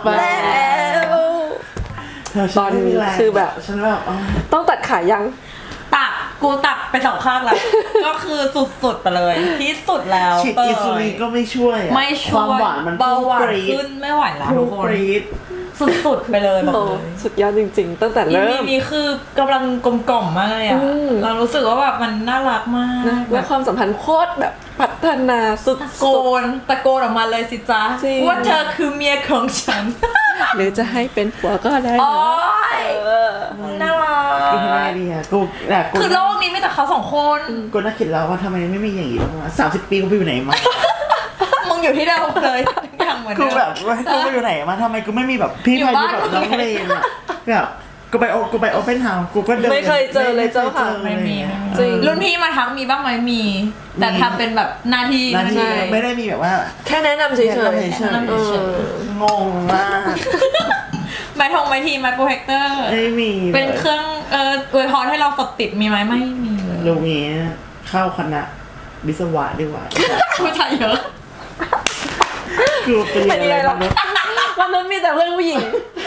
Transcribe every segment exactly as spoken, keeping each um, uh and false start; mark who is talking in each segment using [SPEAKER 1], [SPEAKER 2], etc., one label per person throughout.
[SPEAKER 1] แล้วตอนนี้คือแบบ
[SPEAKER 2] ฉันแบบ
[SPEAKER 1] ต้องตัดขายัง
[SPEAKER 3] ตัดกูตัดไปสองข้างแล้วก็คือสุดๆไปเลยที่สุดแล้ว
[SPEAKER 2] ฉีดอินซูลินก็ไม่ช่วย
[SPEAKER 3] ไม่ช่วยความหวานมันเบาหวานขึ้นไม่ไหวแล้วทุกคนสุดๆไปเลยบอกเลย
[SPEAKER 1] สุดยอดจริงๆตั้งแต่เริ่ม
[SPEAKER 3] มีคือกำลังกลมกล่อมมากเลยอ่ะเรารู้สึกว่าแบบมันน่ารักมาก
[SPEAKER 1] และความสัมพันธ์โคตรแบบพัฒนาสุด
[SPEAKER 3] ตะโกนตะโกนออกมาเลยสิจ๊ะว่าเธอคือเมียของฉัน
[SPEAKER 1] หรือจะให้เป็นผัวก็ได้
[SPEAKER 3] นะน่ารัก
[SPEAKER 2] กูทำไมดีอ่ะกู
[SPEAKER 3] คือโลกนี้ไม่แต่เขาสองคน
[SPEAKER 2] กูน่าคิดแล้วว่าทำไมไม่มีอย่างนี้มาสามสิบปีกูไปอยู่ไหนมา
[SPEAKER 3] มึงอยู่ที่เดิมเลยอย่างเหมือน
[SPEAKER 2] กูแบบกูไปอยู่ไหนมาทำไมกูไม่มีแบบพี่พายุแบบน้องเลนอ่ะแบบกูไปโอกูไปโอเปนเฮาส์กูก็เดิน
[SPEAKER 1] ไม่เคยเจอเลยเจ้าค่ะ
[SPEAKER 3] ไม่มีจริงรุ่นพี่มาทักมีบ้างไหมมีแต่ทำเป็นแบบหน้าที่
[SPEAKER 2] ไม่ได้มีแบบว่า
[SPEAKER 1] แค่แนะนำเฉย
[SPEAKER 2] ๆงงมาก
[SPEAKER 3] ไม้ทงไม้ทีไม้โปรเจคเตอร์
[SPEAKER 2] ไม่มี
[SPEAKER 3] เป็นเครื่องเอ่ออวยพรให้เรากดติดมีไหมไม่มีเลย
[SPEAKER 2] ลุงนี้เข้าคณะวิศวะดีกว่า
[SPEAKER 3] ผู้ชายเยอะ
[SPEAKER 2] คือเป็นอะไรบ้าง
[SPEAKER 1] วันนั้นมีแต่เพื่อนผู้หญิง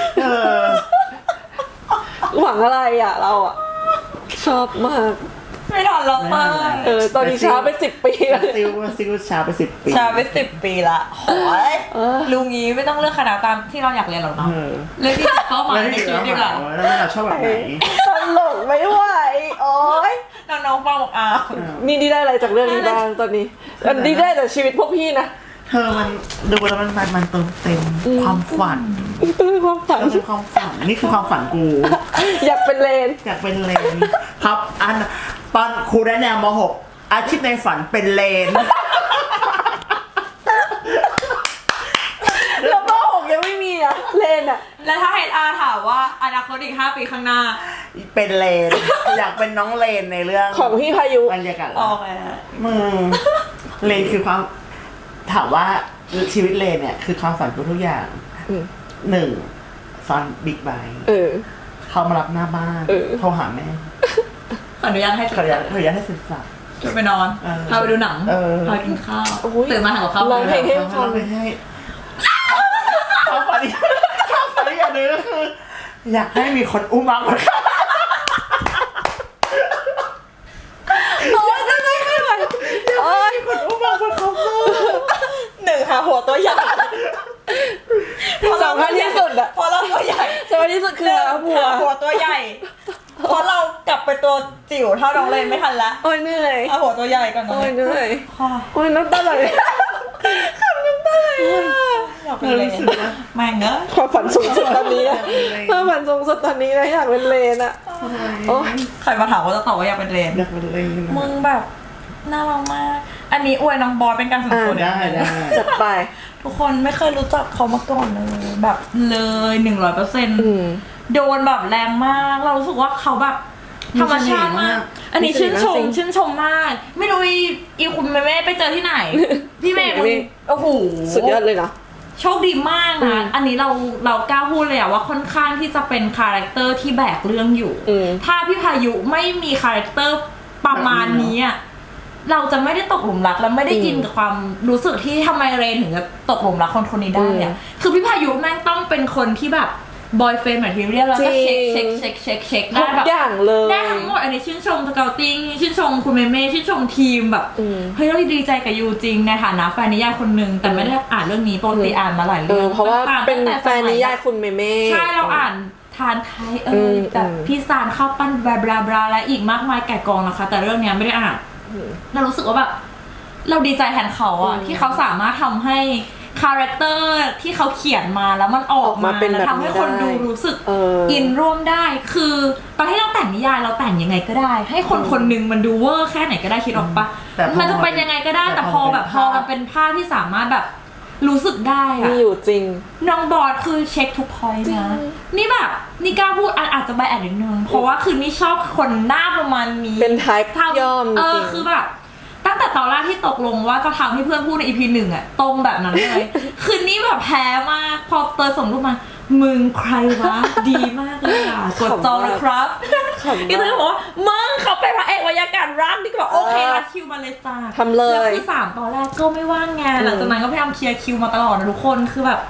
[SPEAKER 1] หวังอะไรอ่ะเราอ่ะชอบมาก
[SPEAKER 3] ไม่ทันเรามาก
[SPEAKER 1] เออตอนนี้ช้าไปสิบปีแล้ว
[SPEAKER 2] ซิวซิวช้าไปสิบปี
[SPEAKER 3] ช้าไปสิบปีละโหยลุงงี้ไม่ต้องเลือกคณะตามที่เราอยากเรียนหรอกเนาะเลือกที่เข้ามาในชีวิตดีกว่า
[SPEAKER 2] แล้วเราชอบแบบไหน
[SPEAKER 1] ตลกไม่ไหวโอ๊ย
[SPEAKER 3] น้องๆฟังบอกอ้าว
[SPEAKER 1] นี่ได้อะไรจากเรื่องนี้บ้างตอนนี้อันนี้ได้แต่ชีวิตพวกพี่นะ
[SPEAKER 2] เธอมันดูแล้วมันมันเติมเต็มความฝัน
[SPEAKER 1] เติมความฝัน
[SPEAKER 2] เป็นความฝันนี่คือความฝันกู
[SPEAKER 1] อยากเป็นเลน
[SPEAKER 2] อยากเป็นเลนครับอันตอนครูได้แนวม หกอาชีพในฝันเป็นเลน
[SPEAKER 1] แล้วม หกยังไม่มีอ่ะเลนอ่ะ
[SPEAKER 3] แล้วถ้าเฮดอาร์ถามว่าอนาคตอีกห้าปีข้างหน้า
[SPEAKER 2] เป็นเลนอยากเป็นน้องเลนในเรื่อง
[SPEAKER 1] ของพี่พายุ
[SPEAKER 2] บรรยากาศ
[SPEAKER 3] โอเค
[SPEAKER 2] มึงเลนคือความถามว่าชีวิตเลนเนี่ยคือความฝันทุกอย่างหนึ่งฟันบิ๊กไบค์เขามารับหน้าบ้านโทรหาแม่
[SPEAKER 3] ขออนุญาตให้
[SPEAKER 2] ขออนุญาตขออนุญาตให้ศึกษา
[SPEAKER 3] จะไปนอนพาไปดูหนังพากินข้าวตื่นมาหาข้าว
[SPEAKER 1] ร้องเพลงให้ฟัง
[SPEAKER 2] ให้เขาฝันเขาฝันอย่างนึงก็คืออยากให้มีคนอุ้มมังมา
[SPEAKER 1] โอ้ยจะไม่ไม่ไหว
[SPEAKER 2] โอ้ยคนอุ้มมังมาเขา
[SPEAKER 3] หนึ่งหาหัวตัวใหญ่
[SPEAKER 1] สำคัญที่สุดอะ
[SPEAKER 3] พอเราตัวใหญ่
[SPEAKER 1] สำคัญที่สุดคือหัว
[SPEAKER 3] หัวตัวใหญ่เพราะเรากลับไปตัวจิ๋วเท่าน้องเลนไม่ทันละ
[SPEAKER 1] โอ้ยเหนื่อย
[SPEAKER 3] เอาหัวตัวใหญ่ก่อน
[SPEAKER 1] โอ้ยเหนื่อยโอ้ยน้ำตาไหลขับน้ำตาไหล
[SPEAKER 3] อยากเป็นเลนแม่งเนอะ
[SPEAKER 1] ความฝันสูงสุดตอนนี้นะความฝันสูงสุดตอนนี้นะอยากเป็นเลนอะ
[SPEAKER 3] โอ้ใครมาถามว่าจะตอบว่าอยากเป็นเลน
[SPEAKER 2] อยากเป็นเลน
[SPEAKER 3] มึงแบบน่ารักมากอันนี้อวยน้องบอสเป็นการส่วนตัว
[SPEAKER 2] ได้ได้
[SPEAKER 1] จัดไป
[SPEAKER 3] ทุกคนไม่เคยรู้จักเขามาก่อนเลยแบบเลยหนึ่งร้อยเปอร์เซ็นต์โดนแบบแรงมากเรารู้สึกว่าเขาแบบธรรมชาติมากอันนี้ชื่นชมชื่นชมมากไม่รู้อีคุณแม่ไปเจอที่ไหนพี่แม่มึงโอ้โห
[SPEAKER 1] สุดยอดเลยนะ
[SPEAKER 3] โชคดีมากนะอันนี้เราเรากล้าพูดเลยอะว่าค่อนข้างที่จะเป็นคาแรคเตอร์ที่แบกเรื่องอยู่ถ้าพี่พายุไม่มีคาแรคเตอร์ประมาณนี้อะเราจะไม่ได้ตกหลุมรักและไม่ได้กินกับความรู้สึกที่ทำไมเรนถึงจะตกหลุมรักคนคนนี้ได้เนี่ยคือพี่พายุแม่งต้องเป็นคนที่แบบบอยเฟรนด์แบบที่เรียกแล้วก็เช็คเช็คเช็คเช็คเช็คได้แบบ
[SPEAKER 1] อย่างเลย
[SPEAKER 3] ได้ทั้งหมดอันนี้ชื่นชมสเกลติ้งชื่นชมคุณเมเม่ชื่นชมทีมแบบเฮ้ยเราดีใจกับยูจริงในฐานะแฟนนิยายคนหนึ่งแต่ไม่ได้อ่านเรื่องนี้ปกติอ่านมาหลายเรื่อง
[SPEAKER 1] เพราะว่าเป็นแฟนนิยายคุณเมเม่
[SPEAKER 3] ใช่เราอ่านทานไทยเออแบบพี่ซานข้าวปั้นบลาบลาบลาและอีกมากมายแก่กองนะคะแต่เรื่องนี้ไม่ได้อ่านเรารู้สึกว่าแบบเราดีใจแทนเขาอะที่เขาสามารถทำให้คาแรคเตอร์ที่เขาเขียนมาแล้วมันออกมาแล้วทำให้คนดูรู้สึกอินร่วมได้คือตอนที่เราแต่งนิยายเราแต่งยังไงก็ได้ให้คนคนนึงมันดูเวอร์แค่ไหนก็ได้คิดออกปะมันจะเป็นยังไงก็ได้แต่พอแบบพอมันเป็นภาพที่สามารถแบบรู้สึกได้อะ
[SPEAKER 1] มีอยู่จริง
[SPEAKER 3] น้องบอสคือเช็คทุกพอยต์นะนี่แบบนี่กล้าพูดอาจจะใบแอดนิดนึงเพราะว่าคือนี่ชอบคนหน้าประมาณนี้
[SPEAKER 1] เป็นไทป์ย่อม
[SPEAKER 3] เออคือแบบตั้งแต่ตอนแรกที่ตกลงว่าจะทำให้เพื่อนพูดใน อี พี หนึ่งอะตรงแบบนั้นเลยคือนี่แบบแพ้มากพอเตยส่งรูปมามึงใครวะดีมากเลยอ่ะกดจองนะครับอีเตยบอกว่ามึงเขาเป็นพระเอกวรรยากาศรักนี่ก็แบบโอเครัดคิวมาเลยจ้า
[SPEAKER 1] ทำเลย
[SPEAKER 3] แล้วคือสามตอนแรกก็ไม่ว่างงานหลังจากนั้นก็พยายามเคลียร์คิวมาตลอดนะทุกคนคือแบบ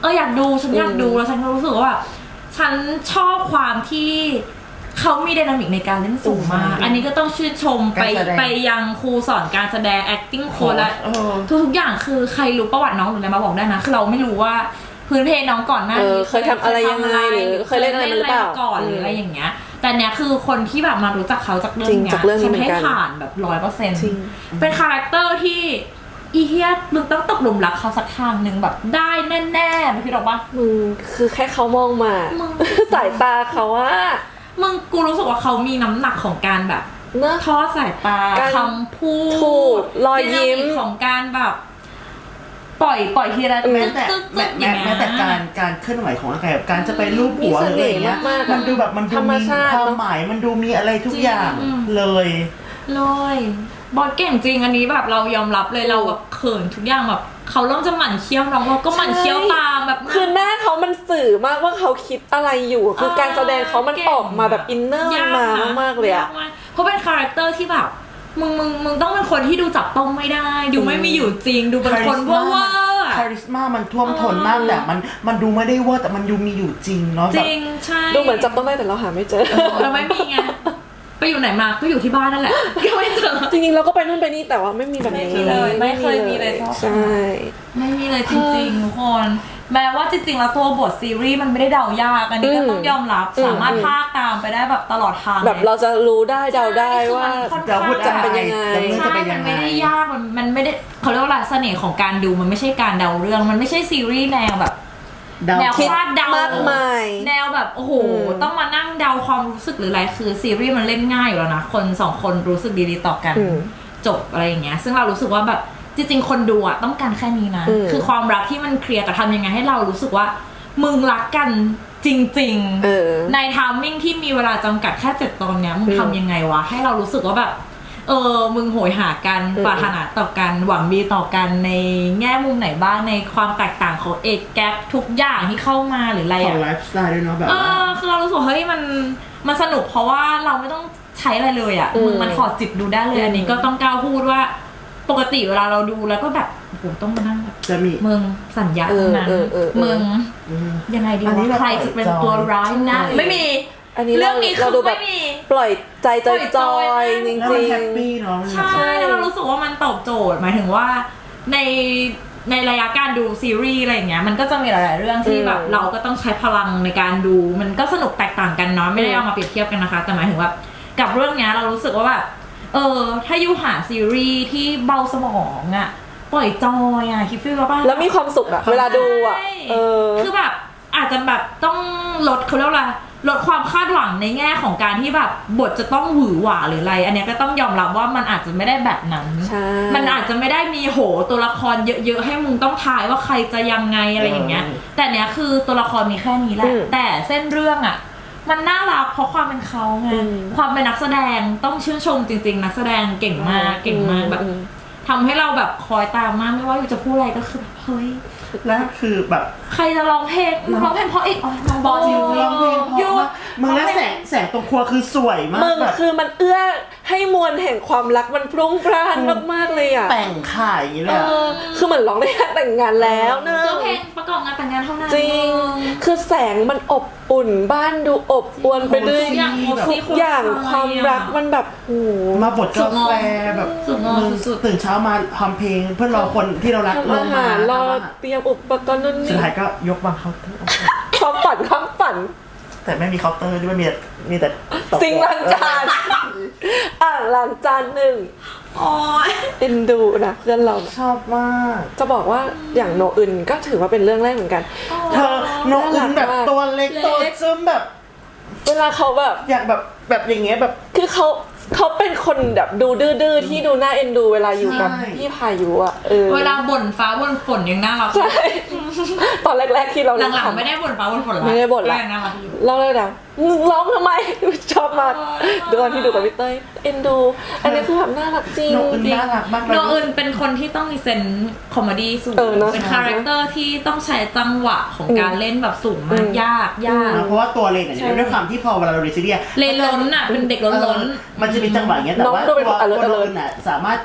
[SPEAKER 3] อออยากดูฉันอยากดูแล้วฉันก็รู้สึกว่าฉันชอบความที่เขามีไดนามิกในการเล่นสูงมากอันนี้ก็ต้องชื่นชมไปไปยังครูสอนการแสดง acting โค้ชและทุกๆอย่างคือใครรู้ประวัติน้องหรืออะไรมาบอกได้นะคือเราไม่รู้ว่าพื้นเพน้องก่อนหน้านี้
[SPEAKER 1] เคยทำอะไรยังไงหรือเคยเล่นอะไรมาหรือเปล่า
[SPEAKER 3] ก่อนหรืออะไรอย่างเงี้ยแต่เนี้ยคือคนที่แบบมารู้จักเขาจากเรื่องเนี้ยฉันให้ผ่านแบบร้อยเปอร์เซ็นต์เป็นคาแรคเตอร์ที่อีเฮียมึงต้องตกหลุมรักเขาสักทางหนึ่งแบบได้แน่ๆไม่คิดหรอกปะ
[SPEAKER 1] มึงคือแค่เขามองมาสายตาเขาว่า
[SPEAKER 3] มึงกูรู้สึกว่าเขามีน้ำหนักของการแบบทอดสายตาคำพู
[SPEAKER 1] ดรอยยิ้ม
[SPEAKER 3] ของการแบบปล่อยปล่อยทีละ
[SPEAKER 2] แม้แต่แม้แม้แต่การการเคลื่อนไหวของร่างกายแบบการจะไปลูบหัวอะไรอย่างเงี้ยมันดูแบบมันดูมีความหมายมันดูมีอะไรทุกอย่างเลย
[SPEAKER 3] เลยบอสเก่งจริงอันนี้แบบเรายอมรับเลยเราแบบเขินทุกอย่างแบบเขาเริ่มจะหมั่นเคี้ยวน้องเราก็หมั่นเคี้ยวตามแบบ
[SPEAKER 1] คือหน้าเขามันสื่อมากว่าเขาคิดอะไรอยู่คือการแสดงเขามันออกมาแบบอินเนอร์มันมามากเลยอะ
[SPEAKER 3] เพราะเป็นคาแรคเตอร์ที่แบบมึงมึงมึงต้องเป็นคนที่ดูจับต้องไม่ได้ดูไม่มีอยู่จริงดูเป็นคนว่าว่า
[SPEAKER 2] คาริสมามันท่วมท้นมากแต่มันมันดูไม่ได้ว่าแต่มันดูมีอยู่จริงเนาะ
[SPEAKER 3] จริงใช่
[SPEAKER 1] ดูเหมือนจับต้องได้แต่เราหาไม่เจอ
[SPEAKER 3] เราไม่มีไงไปอยู่ไหนมาก็อยู่ที่บ้านนั่นแหละก็ไม่เจอ
[SPEAKER 1] จริงๆเราก็ไปนู่นไปนี่แต่ว่าไม่มีแบบนี้
[SPEAKER 3] เลยไม่เคยมีเลย
[SPEAKER 1] ใช่
[SPEAKER 3] ไม่มีเลยจริงๆทุกคนแม้ว่าจริงๆแล้วตัวบทซีรีส์มันไม่ได้เดายากอันนี้ก็ต้องยอมรับสามารถพากตามไปได้แบบตลอดทาง
[SPEAKER 1] แบบเราจะรู้ได้เดาได้ว่า
[SPEAKER 2] จะพูดจะเป็นยัง
[SPEAKER 3] ไงใช่มันไม่ได้ยากมันมันไม่ได้เขาเรียกว่าเสน่ห์ของการดูมันไม่ใช่การเดาเรื่องมันไม่ใช่ซีรีส์แนวแบบแนวคาดเดาม
[SPEAKER 1] ากมาย
[SPEAKER 3] แนวแบบโอ้โหต้องมานั่งเดาความรู้สึกหรืออะไรคือซีรีส์มันเล่นง่ายอยู่แล้วนะคนสองคนรู้สึกดีๆต่อกันจบอะไรอย่างเงี้ยซึ่งเรารู้สึกว่าแบบจริงๆคนดูอะต้องการแค่นี้นะคือความรักที่มันเคลียร์แต่ทำยังไงให้เรารู้สึกว่ามึงรักกันจริงๆในไทมิ่งที่มีเวลาจำกัดแค่เจ็ดตอนเนี้ยมึงทำยังไงวะให้เรารู้สึกว่าแบบเออมึงโหยหากันปรารถนาต่อกันหวังดีต่อกันในแง่มุมไหนบ้างในความแตกต่างของเอกแกปทุกอย่างที่เข้ามาหรืออะไร
[SPEAKER 2] อะของไลฟ์สไตล์ด้วยเนาะแบบ
[SPEAKER 3] เออคือเรารู้สึกเฮ้ยมันมันสนุกเพราะว่าเราไม่ต้องใช้อะไรเลยอ่ะมึงมันถอดจิตดูได้เลยอันนี้ก็ต้องกล้าพูดว่าปกติเวลาเราดูแล้วก็แบบโอ้โหต้องมานั่งแบบ
[SPEAKER 2] จะมี
[SPEAKER 3] มึงสัญญาตรงนั้นมึงยังไงดีวะใครจะเป็นตัวร้ายนะไม่มี
[SPEAKER 1] อันนี้เรื่องนี้เราดูแบบปล่อยใจจอยๆจริงๆ
[SPEAKER 2] แฮปปี้เนาะ
[SPEAKER 3] ใช่เรารู้สึกว่ามันตอบโจทย์หมายถึงว่าในในระยะการดูซีรีส์อะไรอย่างเงี้ยมันก็จะมีหลายๆเรื่องที่แบบเราก็ต้องใช้พลังในการดูมันก็สนุกแตกต่างกันเนาะไม่ได้เอามาเปรียบเทียบกันนะคะแต่หมายถึงว่ากับเรื่องเนี้ยเรารู้สึกว่าแบบเออถ้ายูหาซีรีส์ที่เบาสมองอะปล่อยจอยอะคิดฟีลว่าป่ะ
[SPEAKER 1] แล้วมีความสุขอะเวลาดูอะเออ
[SPEAKER 3] คือแบบอาจจะแบบต้องลดเขาเรียกว่าลดความคาดหวังในแง่ของการที่แบบบทจะต้องหวือหวาหรืออะไรอันนี้ก็ต้องยอมรับว่ามันอาจจะไม่ได้แบบนั้นมันอาจจะไม่ได้มีโหตัวละครเยอะๆให้มึงต้องทายว่าใครจะยังไงอะไรอย่างเงี้ยแต่เนี้ยคือตัวละครมีแค่นี้แหละแต่เส้นเรื่องอะมันน่ารักเพราะความเป็นเขาไงความเป็นนักแสดงต้องชื่นชมจริงๆนักแสดงเก่งมากเก่งมากแบบทำให้เราแบบคอยตามมากไม่ว่าจะพูดอะไรก็คือเฮ้ย
[SPEAKER 2] แล้วคือแบบ
[SPEAKER 3] ใครจะร้องเพลงร้องเพลงเพราะอีกอ๋อน้องบอล
[SPEAKER 2] ยูร้องเพลงเพราะมึงแล้วแสงแสงตรงครัวคือสวยมาก
[SPEAKER 1] มึงคือมันเอื้อให้มวลแห่งความรักมันพรุ่งพร่านมากๆเลยอ่ะ
[SPEAKER 2] แต่งข่ายอย่างนี้เลย
[SPEAKER 1] คือเหมือนร้องในงานแต่งงานแล้ว
[SPEAKER 3] เนื้อเพลงประกอบงานแต่งงานเท่านั้น
[SPEAKER 1] จริงคือแสงมันอบอุ่นบ้านดูอบอวลไปด้วยทุกอย่างความรักมันแบบโอ้
[SPEAKER 2] มาบทกาแฟแบบตื่นเช้ามาทำเพลงเพื่อรอคนที่เรารักลงมาร
[SPEAKER 1] อเตรียมอุปกรณ์นู่นนี่
[SPEAKER 2] สุดท้ายก็ยกวางเคาน์เตอร์
[SPEAKER 1] ความฝันความฝัน
[SPEAKER 2] แต่ไม่มีเคาน์เตอร์ด้วยมีมีแต่
[SPEAKER 1] ซิงล้างจานอ่างล้างจานหนึ่ง
[SPEAKER 3] อ๋อ
[SPEAKER 1] เอ็นดูนะเพื่อนเรา
[SPEAKER 2] ชอบมาก
[SPEAKER 1] จะบอกว่าอย่างโนอึนก็ถือว่าเป็นเรื่องแรกเหมือนกัน
[SPEAKER 2] เธอโนอึนแบบตัวเล็กตัวซึมแบบ
[SPEAKER 1] เวลาเขาแบบ
[SPEAKER 2] อยากแบบแบบอย่างเงี้ยแบบ
[SPEAKER 1] คือเขาเขาเป็นคนแบบดูดื้อๆที่ดูน่าเอ็นดูเวลาอยู่กับพี่พายุอ่ะเออ
[SPEAKER 3] เวลาบ่นฟ้าบ่นฝนยังน่ารัก
[SPEAKER 1] ใช่ตอนแรกๆที่เรา
[SPEAKER 3] หลังๆไม่ได้บ่นฟ้าบ่นฝนแล้ว
[SPEAKER 1] ไม่ได้บ่นแล้วเราเลยนะมึงร้องทำไมชอบมากดูตอนที่ดูกับพี่เต้ยเอ็นดูอันนี้คือแบบน่ารักจริง
[SPEAKER 2] โนอึนน่ารักมาก
[SPEAKER 3] โนอึนเป็นคนที่ต้องมีเซนส์คอมเมดี้สูงเป็นคาแรคเตอร์ที่ต้องใช้จังหวะของการเล่นแบบสูงมากยากยาก
[SPEAKER 2] เพราะว่าตัวเลนเนี่ยด้วยความที่พอเวลาเราเรียนซีรีส์
[SPEAKER 3] เลนล้นอ่ะเป็นเด็กล้นล้น
[SPEAKER 2] มันจะมีจังหวะอย่างเงี้ยแต่ว่าตัวตัวเลนน่ะสามารถ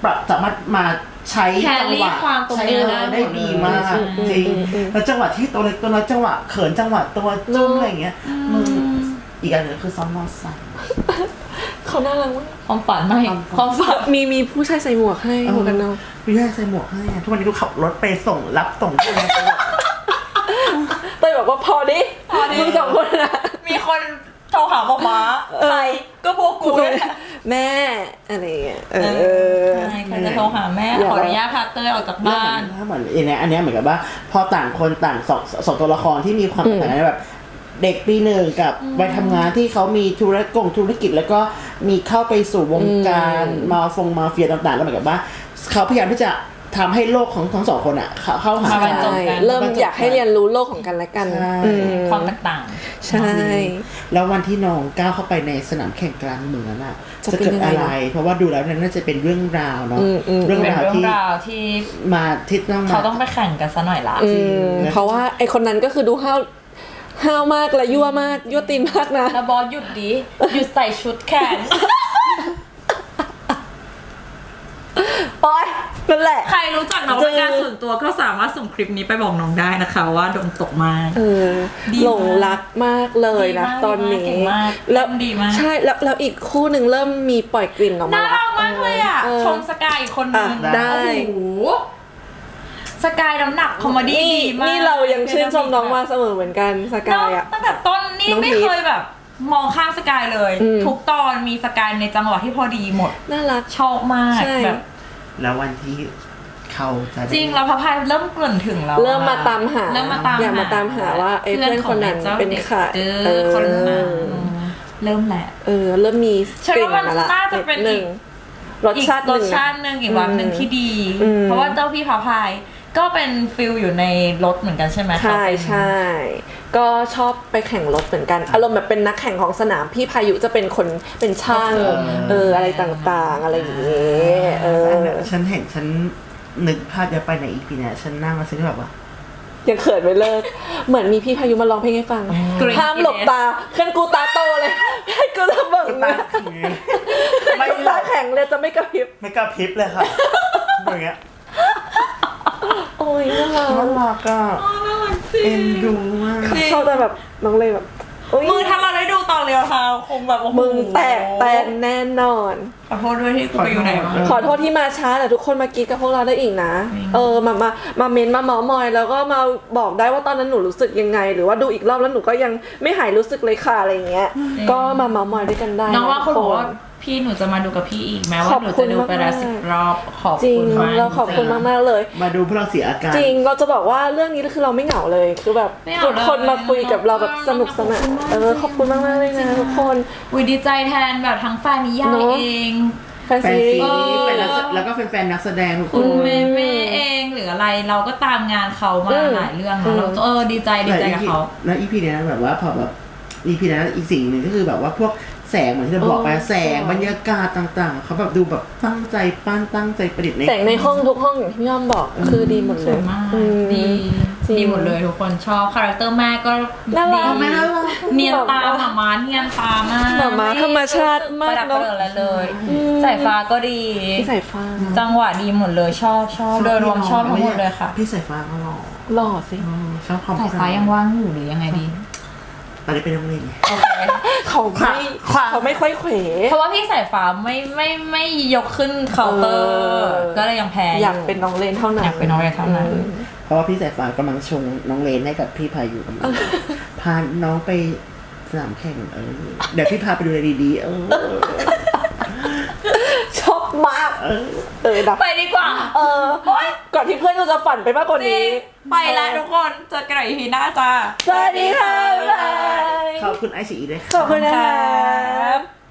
[SPEAKER 2] ปรับสามารถมาใช้จังหวะ
[SPEAKER 3] ความตรง
[SPEAKER 2] ใช้
[SPEAKER 3] นี้
[SPEAKER 2] เออได้ดีมาก
[SPEAKER 1] อืม
[SPEAKER 2] จริง
[SPEAKER 1] อืมอืม
[SPEAKER 2] แล้วจังหวะที่ตัวเล็กตัวน้อยจังหวะเขินจังหวะตัวจุ้มอะไรอย่างเงี้ยมึงอีกอันหนึงคือซ้อมมอไซค์
[SPEAKER 1] เขาน่ารักมาก
[SPEAKER 3] ความฝันไม่
[SPEAKER 2] ความฝัน
[SPEAKER 3] ความฝัน
[SPEAKER 1] มีมีผู้ชายใส่หมวกให้หมวกกันน็อก
[SPEAKER 2] พี่ให้ใส่หมวกให้อะทุกวันนี้กูขับรถไปส่งรับส่งที่ไหนตลอด
[SPEAKER 1] เต้ยบอกว่าพอดิ
[SPEAKER 3] พอดิ
[SPEAKER 1] มึงสองคนนะ
[SPEAKER 3] มีคนโทรหาหมอม้าใครก็พวกกูเนี่ย
[SPEAKER 1] แม่อะไรอย่างเงี้ยเออ
[SPEAKER 3] ใช่ใครจะโทรหาแม่ขออนุญาตพาเต้ยออกจากบ้าน
[SPEAKER 2] ถ้าเหมือนอันเนี้ยอันเนี้ยเหมือนกับว่าพอต่างคนต่างสองสองตัวละครที่มีความต่างกันแบบ เด็กปีหนึ่งกับวัยทำงานที่เขามีธุรกงธุรกิจแล้วก็มีเข้าไปสู่วงการมาฟงมาเฟียต่างๆแล้วเหมือนกับว่าเขาพยายามที่จะทำให้โลกของทั้งสองคนอ่ะเข้าเข้าหา
[SPEAKER 3] มาบรรจ
[SPEAKER 2] กับ น
[SPEAKER 3] กัน
[SPEAKER 1] เริ่มอยากให้เรียนรู้โลกของกันและกัน
[SPEAKER 2] ใช่
[SPEAKER 1] อืม
[SPEAKER 3] ความแตกต่าง
[SPEAKER 1] ใช่
[SPEAKER 2] แล้ววันที่น้องก้าวเข้าไปในสนามแข่งกลางเมืองนั้นอ่ะ
[SPEAKER 1] จะ
[SPEAKER 2] จะ
[SPEAKER 1] เป็น
[SPEAKER 2] เกิด
[SPEAKER 1] ยังไง
[SPEAKER 2] อะไร เพราะว่าดูแล้วเนี่ยน่าจะเป็นเรื่องราวเนาะ
[SPEAKER 1] อืมอืม
[SPEAKER 2] เรื่อง
[SPEAKER 3] เป็น
[SPEAKER 2] ราว
[SPEAKER 3] เรื่อง
[SPEAKER 2] ที่
[SPEAKER 3] ราวที่
[SPEAKER 2] มาที่ต้องมา
[SPEAKER 3] เขาต้องไปแข่งกันซะหน่อยละ
[SPEAKER 1] อืมเพราะว่าไอคนนั้นก็คือดูห้าวห้าวมากและยั่วมากยั่วตีนมากนะ
[SPEAKER 3] แล้วบอสหยุดดิหยุดใส่ชุดแข่ง
[SPEAKER 1] โอ๊ยนั่นแหละ
[SPEAKER 3] ใครรู้จักน้องเป็นการส่วนตัวก็สามารถส่งคลิปนี้ไปบอกน้องได้นะคะว่าโดนตกมาก
[SPEAKER 1] เออ
[SPEAKER 3] ดีมาก
[SPEAKER 1] หลงรักมากเลยนะ
[SPEAKER 3] ดีมาก
[SPEAKER 1] ตอนนี้
[SPEAKER 3] เก่งมาก
[SPEAKER 1] แล้ว
[SPEAKER 3] ดีมาก
[SPEAKER 1] ใช่แล้วแล้วอีกคู่หนึ่งเริ่มมีปล่อยกลิ่นออกมา
[SPEAKER 3] น่า
[SPEAKER 1] แล้ว
[SPEAKER 3] รักมากเลยอ่ะ
[SPEAKER 1] เออ
[SPEAKER 3] ชมสกายอีกคนนึง
[SPEAKER 1] อ่ะได้
[SPEAKER 3] โอ้โหสกายน้ำหนักคอมเมดี้
[SPEAKER 1] นี่
[SPEAKER 3] ดีมาก
[SPEAKER 1] นี่เรายังชื่นชมน้องมาเสมอเหมือนกันสกายอ่ะ
[SPEAKER 3] ตั้งแต่ต้นนี่
[SPEAKER 1] น้อง
[SPEAKER 3] ไม่
[SPEAKER 1] พีช
[SPEAKER 3] เคยแบบ มองข้ามสกายเลย
[SPEAKER 1] อืม
[SPEAKER 3] ทุกตอนมีสกายในจังหวะที่พอดีหมด
[SPEAKER 1] น่ารัก
[SPEAKER 3] ชอบมาก
[SPEAKER 1] ใช่
[SPEAKER 3] แบบ
[SPEAKER 2] แล้ววันที่เขาจะได้
[SPEAKER 3] จริงเราพระพายเริ่มเกริ่นถึงแล้ว
[SPEAKER 1] เริ่มมาตามหา
[SPEAKER 3] เริ่มมาตาม
[SPEAKER 1] อยากมาตามหาว่าไอ้เพื่อนคนนั้นเป็นใคร
[SPEAKER 3] เอ
[SPEAKER 1] เอ
[SPEAKER 3] อ
[SPEAKER 1] อ
[SPEAKER 3] คนนั้นเริ่มแหละ
[SPEAKER 1] เออเริ่มมี
[SPEAKER 3] ฉัน
[SPEAKER 1] กลิ่น
[SPEAKER 3] ว่ามัน
[SPEAKER 1] มาละ
[SPEAKER 3] น่าจะเป็น
[SPEAKER 1] ดหนึ่ง
[SPEAKER 3] อีก
[SPEAKER 1] รสชาติห
[SPEAKER 3] ร
[SPEAKER 1] นึ่
[SPEAKER 3] ส
[SPEAKER 1] ง
[SPEAKER 3] ชาติหนึ่งอีกวันหนึ่งที่ดี
[SPEAKER 1] อืม
[SPEAKER 3] เพราะว่าเจ้าพี่พระพายก็เป็นฟิลอยู่ในรถเหมือนกันใช่ไหม
[SPEAKER 1] ใช่
[SPEAKER 3] เขาเป็น
[SPEAKER 1] ใช่ก็ชอบไปแข่งรถเหมือนกัน อารมณ์แบบเป็นนักแข่งของสนามพี่พายุจะเป็นคนเป็นช่างเอออะไรต่างๆ อะไรอย่างเงี้ยเออ
[SPEAKER 2] ฉันเห็นฉันนึกภาพจะไปในอีพีเนี่ยฉันนั่งแล้วฉันก็แบบว่า
[SPEAKER 1] ยังเขินไม่เลิก เหมือนมีพี่พายุมาร้องเพลงให้ฟัง
[SPEAKER 3] กรี๊ด
[SPEAKER 1] ห้ามหลบตาขึ้นกูตาโตเลย ให้กูจะเบิ่งนะ
[SPEAKER 2] ไม่
[SPEAKER 1] กูตาแข็งเลยจะไม่กระพริบ
[SPEAKER 2] ไม่กระพริบเลยค่ะอย่างเงี้ย
[SPEAKER 1] โอ้ยน่ารัก
[SPEAKER 2] น่ารักอ่ะเอ็นดูมาก
[SPEAKER 1] ชอบแต่แบบน้องเลยแบบโอ้ย
[SPEAKER 3] มือถ้าเราได้ดูตอนเรียวทาวคงแบบโอ้โห
[SPEAKER 1] มึงแตกแตนแน่นอน
[SPEAKER 3] ขอโทษด้วยที่กูไปอยู่ไหนมา
[SPEAKER 1] ขอโทษที่มาช้าแต่ทุกคนมากรีดกับพวกเราได้อีกนะ เออมามามาเมนมาเมามอยแล้วก็มาบอกได้ว่าตอนนั้นหนูรู้สึกยังไง หรือว่าดูอีกรอบแล้วหนูก็ยังไม่หายรู้สึกเลยค่ะอะไรอย่างเงี้ย ก็มาเมามอยด้วยกันได้
[SPEAKER 3] น้องว่า
[SPEAKER 1] ทุ
[SPEAKER 3] เขา
[SPEAKER 1] ก
[SPEAKER 3] บอกว่าพี่หนูจะมาดูกับพี่อีกแม้ว่า
[SPEAKER 1] ขอบ
[SPEAKER 3] หนู
[SPEAKER 1] คุ
[SPEAKER 3] จะ
[SPEAKER 1] ณ
[SPEAKER 3] ดูไปแล้ว
[SPEAKER 1] มากๆ
[SPEAKER 3] สิบรอบขอบ
[SPEAKER 1] จริง
[SPEAKER 3] คุณมาก
[SPEAKER 1] เราขอบคุณมากๆเลย
[SPEAKER 2] มาดูพวกเราเสียอาการ
[SPEAKER 1] จริงเราจะบอกว่าเรื่องนี้คือเราไม่เหงาเลยคือแบบ
[SPEAKER 3] ไม่เหงา
[SPEAKER 1] ทุกคน
[SPEAKER 3] เลย
[SPEAKER 1] มาคุยกับเราแบบสนุกสนานเออขอบคุณมากๆเลยนะทุกคน
[SPEAKER 3] วิดีใจแทนแบบทั้งแฟนนิยาย
[SPEAKER 1] เนอะ
[SPEAKER 3] เอง
[SPEAKER 1] แฟน
[SPEAKER 2] แฟน
[SPEAKER 1] ซีรี
[SPEAKER 2] ซี
[SPEAKER 1] ส์
[SPEAKER 2] แฟนนักแสแล้วก็แฟนๆนักแสดงทุกค
[SPEAKER 3] คุณ
[SPEAKER 2] น
[SPEAKER 3] เมเมเองหรืออะไรเราก็ตามงานเขามา
[SPEAKER 1] อืม
[SPEAKER 3] หลายเรื่อง
[SPEAKER 1] อื
[SPEAKER 3] นะ
[SPEAKER 1] ม
[SPEAKER 3] เราเออดีใจดีใจกับเขา
[SPEAKER 2] แล้วอีพีเนี้ยแบบว่าพอแบบอีพีนั้นอีกสิ่งหนึ่งก็คือแบบว่าพวกแสงเหมือนที่เราบอกไป
[SPEAKER 1] เออ
[SPEAKER 2] แสงบรรยากาศต่างๆเขาแบบดูแบบตั้งใจปั้นตั้งใจประดิษฐ์ใน
[SPEAKER 1] แสงในห้องทุกห้องอย่างที่พี่ย่อมบอกคือดีหมด
[SPEAKER 3] ส
[SPEAKER 1] เล
[SPEAKER 3] วย ยมาก
[SPEAKER 1] อืม
[SPEAKER 3] ดี
[SPEAKER 1] จริง
[SPEAKER 3] ดีหมดเลยทุกคนชอบคาแรคเตอร์แม่ก็
[SPEAKER 1] น่ารัก
[SPEAKER 3] ดี
[SPEAKER 2] ไม่น่ารัก
[SPEAKER 3] เนียนตาหมาม้าเนียนตามาก
[SPEAKER 1] หมาม้าธรรมชาติมาก
[SPEAKER 3] ประดับ
[SPEAKER 1] เนอะ
[SPEAKER 3] ประเดิดอะไรเลย
[SPEAKER 1] อืม
[SPEAKER 3] สายฟ้าก็ดี
[SPEAKER 1] พี่สายฟ้า
[SPEAKER 3] จังหวะดีหมดเลยชอบชอบโดยรวมชอบทั้งหมดเลยค่ะ
[SPEAKER 2] พี่สายฟ้าก็หล่อ
[SPEAKER 1] หล่อสิ
[SPEAKER 2] อืมชอบความ
[SPEAKER 3] สายฟ้ายังว่างอยู่หรือยังไงดี
[SPEAKER 2] ตอนนี้เป็นนักเรียนไง
[SPEAKER 3] โอเค
[SPEAKER 1] เขาไม่
[SPEAKER 2] ความ
[SPEAKER 1] เขาไม่ค่อยเขว
[SPEAKER 3] เพราะว่าพี่สายฟ้าไม่ไม่ไม่ยกขึ้นเคาน์เตอร์
[SPEAKER 1] เออ
[SPEAKER 3] ก็เลยยังแพ้
[SPEAKER 1] อยากเป็นน้องเลนเท่านั้น
[SPEAKER 3] อยากเป็นน้องเลนเท่านั้น
[SPEAKER 1] อืม
[SPEAKER 2] เพราะว่าพี่สายฟ้ากำลังชงน้องเลนให้กับพี่พายุกำลังพาน้องไปสนามแข่งเออเดี๋ยวพี่พาไปดูอะไรดีๆเออ
[SPEAKER 1] ชอบมาก
[SPEAKER 2] เออ
[SPEAKER 1] เออดับ
[SPEAKER 3] ไปดีกว่า
[SPEAKER 1] เออก่อนที่เพื่อนเราจะฝันไปมากกว่า
[SPEAKER 3] จริ
[SPEAKER 1] นี้
[SPEAKER 3] งไปแล้วทุกคนเจอกันใหม่ อี พีหน้าจ้า
[SPEAKER 1] สวัสดีค่ะบ๊ายบาย
[SPEAKER 2] ขอบคุณไอซีด้วยค่ะ
[SPEAKER 1] ขอบคุณนะครับ